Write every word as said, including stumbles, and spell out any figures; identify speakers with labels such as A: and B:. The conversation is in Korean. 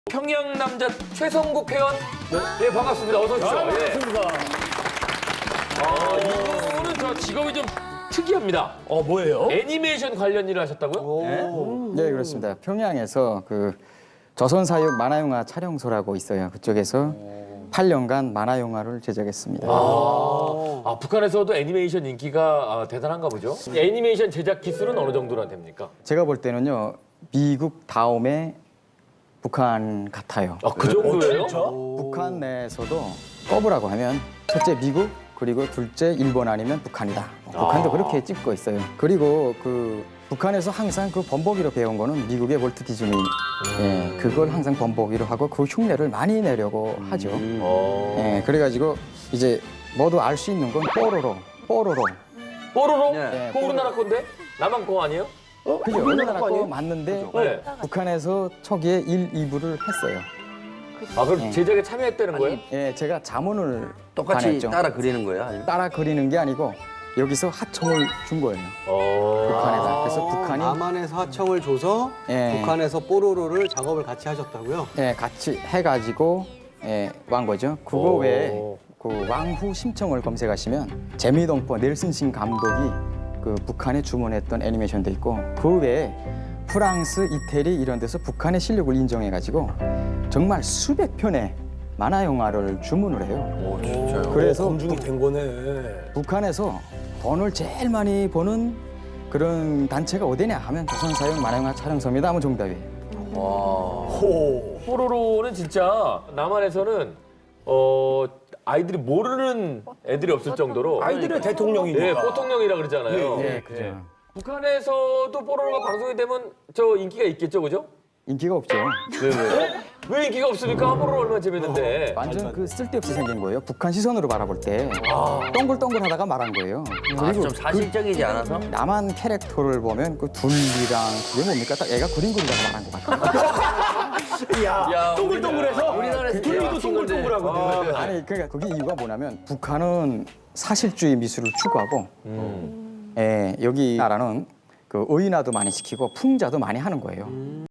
A: 평양 남자 최성국 회원. 네, 반갑습니다. 어서 오십시오.
B: 아, 반갑습니다.
A: 아, 이분은 저 직업이 좀 특이합니다.
B: 어, 뭐예요?
A: 애니메이션 관련 일을 하셨다고요?
C: 네, 그렇습니다. 평양에서 그 조선사육 만화영화 촬영소라고 있어요. 그쪽에서 팔 년간 만화영화를 제작했습니다.
A: 아, 아, 북한에서도 애니메이션 인기가 아, 대단한가 보죠? 애니메이션 제작 기술은 어느 정도나 됩니까?
C: 제가 볼 때는요, 미국 다음에 북한 같아요.
A: 아, 그 정도예요?
C: 북한 내에서도 꼽으라고 하면 첫째 미국, 그리고 둘째 일본 아니면 북한이다. 북한도
A: 아.
C: 그렇게 찍고 있어요. 그리고 그 북한에서 항상 그 번복이로 배운 거는 미국의 월트 디즈니. 예, 그걸 항상 번복이로 하고 그 흉내를 많이 내려고 하죠.
A: 어.
C: 예, 그래가지고 이제 모두 알 수 있는 건 뽀로로, 뽀로로.
A: 뽀로로?
C: 네,
A: 그거 우리나라 건데? 남한 거 아니에요?
C: 그죠? 우리나라 거 맞는데
A: 네.
C: 북한에서 초기에 일, 이 부를 했어요.
A: 아, 그럼
C: 네.
A: 제작에 참여했다는 거예요?
C: 예, 제가 자문을
D: 똑같이
C: 반했죠.
D: 따라 그리는 거예요? 아니면?
C: 따라 그리는 게 아니고 여기서 하청을 준 거예요.
A: 어.
C: 북한에다. 그래서 북한이
E: 남한에서 하청을 줘서
C: 예.
E: 북한에서 뽀로로를 작업을 같이 하셨다고요?
C: 예, 같이 해가지고 예, 완 거죠. 그거
A: 오.
C: 외에 그 왕후 심청을 검색하시면 재미동포 넬슨신 감독이 그 북한에 주문했던 애니메이션도 있고 그 외에 프랑스, 이태리 이런 데서 북한의 실력을 인정해가지고 정말 수백 편의 만화 영화를 주문을 해요.
A: 오, 진짜요?
C: 그래서
B: 검증이 된 거네.
C: 북한에서 돈을 제일 많이 버는 그런 단체가 어디냐 하면 조선사육 만화영화 촬영소입니다 하면 정답이에요.
B: 호.
A: 뽀로로는 진짜 남한에서는 어, 아이들이 모르는 애들이 없을 정도로
B: 아이들의 대통령이니까.
A: 예, 뽀통령이라 그러잖아요.
C: 예, 그죠.
A: 예. 북한에서도 뽀로로가 방송이 되면 저 인기가 있겠죠, 그죠?
C: 인기가 없죠.
A: 네, 네. 왜 인기가 없습니까? 뽀로로 얼마나 재밌는데.
C: 완전 그 쓸데없이 생긴 거예요. 북한 시선으로 바라볼 때 동글동글하다가 말한 거예요.
D: 아, 좀 사실적이지 않아서?
C: 남한 캐릭터를 보면 그 둘리랑 그게 뭡니까? 딱 애가 그림 그리다가 말한 것 같아요.
B: 야, 동글동글해서
D: 우리나라에서
B: 둘리도 동글동글하거든.
C: 아니 그러니까 그게 이유가 뭐냐면 북한은 사실주의 미술을 추구하고 예, 여기 나라는 그 의인화도 많이 시키고 풍자도 많이 하는 거예요.